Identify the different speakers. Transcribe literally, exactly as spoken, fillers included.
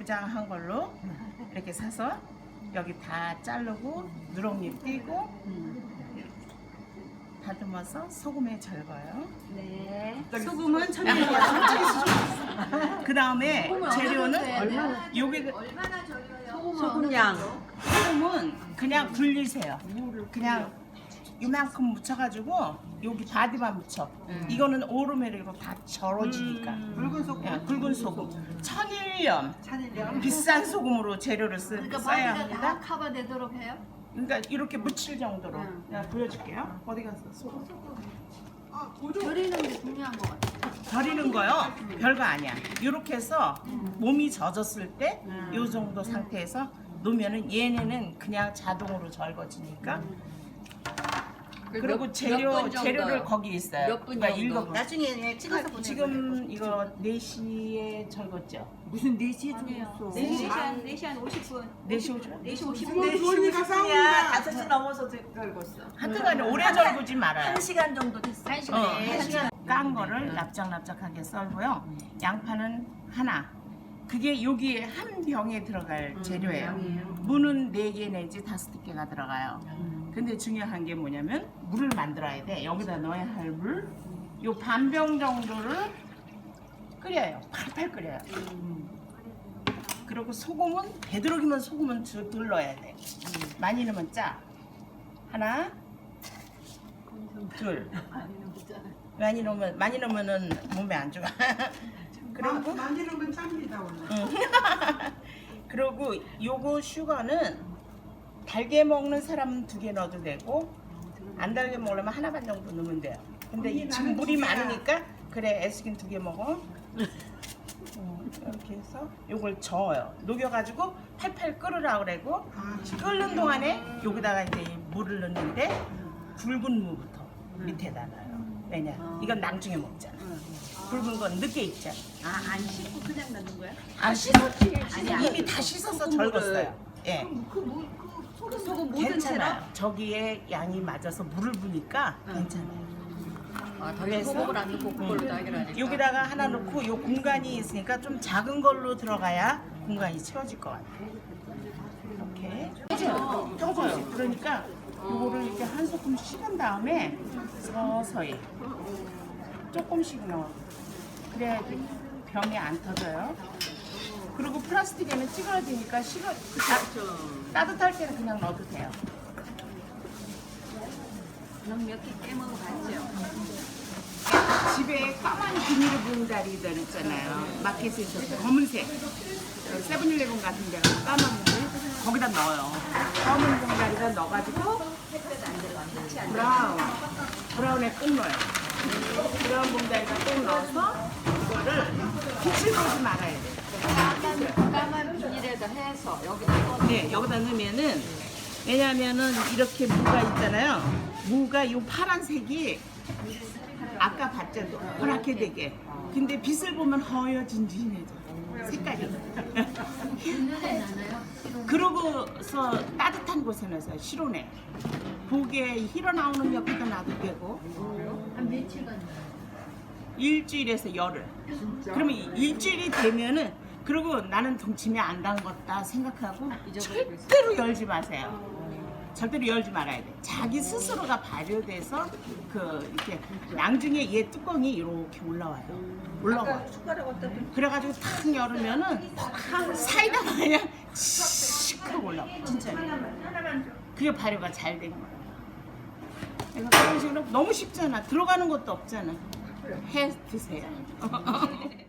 Speaker 1: 예쁘장한 걸로 이렇게 사서 여기 다 자르고 누렁잎 띄고 다듬어서 소금에 절거요.
Speaker 2: 네.
Speaker 3: 소금은 천천히.
Speaker 1: 그 다음에 재료는 여기
Speaker 2: 얼마나 절여요?
Speaker 3: 소금량.
Speaker 1: 소금은 그냥 굴리세요. 그냥 이만큼 묻혀가지고 여기 바디만 묻혀. 이거는 오르메리로 다 절어지니까.
Speaker 3: 붉은 소금.
Speaker 1: 예, 굵은 소금. 천일염.
Speaker 3: 찬일량.
Speaker 1: 비싼 소금으로 재료를 쓰,
Speaker 2: 그러니까
Speaker 1: 써야
Speaker 2: 바디가 다
Speaker 1: 합니다.
Speaker 2: 커버되도록 해요?
Speaker 1: 그러니까 이렇게 묻힐 정도로. 내가 보여줄게요. 어디 갔어? 소금.
Speaker 2: 절이는 게 중요한 것 같아요.
Speaker 1: 절이는 거요? 별거 아니야. 이렇게 해서 몸이 젖었을 때 이 정도 상태에서 놓으면은 얘네는 그냥 자동으로 절거지니까. 그리고 재료 재료를 거기 있어요.
Speaker 2: 몇 분
Speaker 1: 그러니까
Speaker 2: 정도?
Speaker 1: 읽어보-
Speaker 3: 나중에 찍어서 보내.
Speaker 1: 지금 이거 네 시에 절궜죠?
Speaker 3: 무슨 네 시에 죽었어.
Speaker 2: 네 시 한 네 시 한 오십 분.
Speaker 1: 네 시 오죠?
Speaker 2: 네 시 오십
Speaker 3: 네
Speaker 2: 분.
Speaker 3: 시 오십 분이야. 다섯 시 넘어서 들었어.
Speaker 1: 하여튼간에 오래 절구지 말아요.
Speaker 3: 한 시간 정도 됐어.
Speaker 2: 한
Speaker 1: 어,
Speaker 2: 시간.
Speaker 1: 한 시간 깐 거를 납작납작하게 썰고요. 양파는 하나. 그게 여기에 한 병에 들어갈 재료예요. 무는 네 개 내지 다섯 개가 들어가요. 근데 중요한 게 뭐냐면 물을 만들어야 돼. 여기다 넣어야 할 물. 요 반병 정도를 끓여요. 팔팔 끓여요. 그리고 소금은 되도록이면 소금은 덜 넣어야 돼. 많이 넣으면 짜. 하나, 둘. 많이 넣으면 많이 넣으면은 몸에 안 좋아. 그리고
Speaker 3: 많이 넣으면 짭니다 원래.
Speaker 1: 그리고 요거 슈거는 달게 먹는 사람은 두 개 넣어도 되고 안 달게 먹으려면 하나 반 정도 넣으면 돼요. 근데 이 지금 물이 많으니까 그래 애쓰긴 두 개 먹어. 어, 이렇게 해서 요걸 저어요. 녹여가지고 팔팔 끓으라 그러고 끓는 동안에 여기다가 이제 이 물을 넣는데 굵은 무부터 밑에다 놔요. 왜냐? 이건 나중에 먹잖아. 굵은 건 늦게 익잖아.
Speaker 3: 아안 씻고 그냥 넣는 거야?
Speaker 1: 아 씻었지.
Speaker 3: 아니,
Speaker 1: 이미 다 씻어서 절궜어요. 예.
Speaker 2: 그 소금 모든
Speaker 1: 괜찮아요. 저기에 양이 맞아서 물을 부니까 괜찮아요.
Speaker 2: 아, 더
Speaker 1: 그래서
Speaker 2: 소금을 안 넣고 그걸로 다 해결하니까.
Speaker 1: 여기다가 하나 넣고 요 공간이 있으니까 좀 작은 걸로 들어가야 공간이 채워질 것 같아요. 이렇게 떠져요. 떠져요. 그러니까 요거를 이렇게 한 소끔 식은 다음에 서서히 조금씩 넣어. 그래야지 병이 안 터져요. 그리고 플라스틱에는 찌그러지니까 식어 따뜻할 때는 그냥 넣어도 돼요.
Speaker 2: 몇개 깨먹어 봤죠?
Speaker 1: 집에 까만 비닐을 부은 다리들 있잖아요. 마켓에서 검은색 세븐일레븐 같은 데 가서 까만 물 거기다 넣어요. 검은 봉다리에다 넣어가지고 브라운 브라운에 꼭 넣어요. 브라운 봉다리에다 꼭 넣어서 이거를 빛을 보지 말아야 돼요.
Speaker 2: 까만, 까만 비닐에다 해서 여기다 넣어.
Speaker 1: 네, 여기다 넣으면은 왜냐하면은 이렇게 무가 있잖아요. 무가 요 파란색이 아까 봤죠, 노랗게 되게. 근데 빛을 보면 허여진진해져 색깔이.
Speaker 2: 눈에 나나요?
Speaker 1: 그러고서 따뜻한 곳에 넣어서 실온에 고기에 hir어 나오는 옆에다 놔도 되고
Speaker 2: 한 며칠간 나요?
Speaker 1: 일주일에서 열흘. 그러면 일주일이 되면은 그리고 나는 동치미 안 담궜다 생각하고 절대로 열지 마세요. 절대로 열지 말아야 돼. 자기 스스로가 발효돼서 그 이렇게 나중에 얘 뚜껑이 이렇게 올라와요. 올라와.
Speaker 3: 숟가락 어디다 대?
Speaker 1: 그래가지고 탁 열으면은 사이다 마냥 씩 올라와. 진짜. 그게 발효가 잘 된 거야. 그래서 그런 식으로 너무 쉽잖아. 들어가는 것도 없잖아. 해 드세요.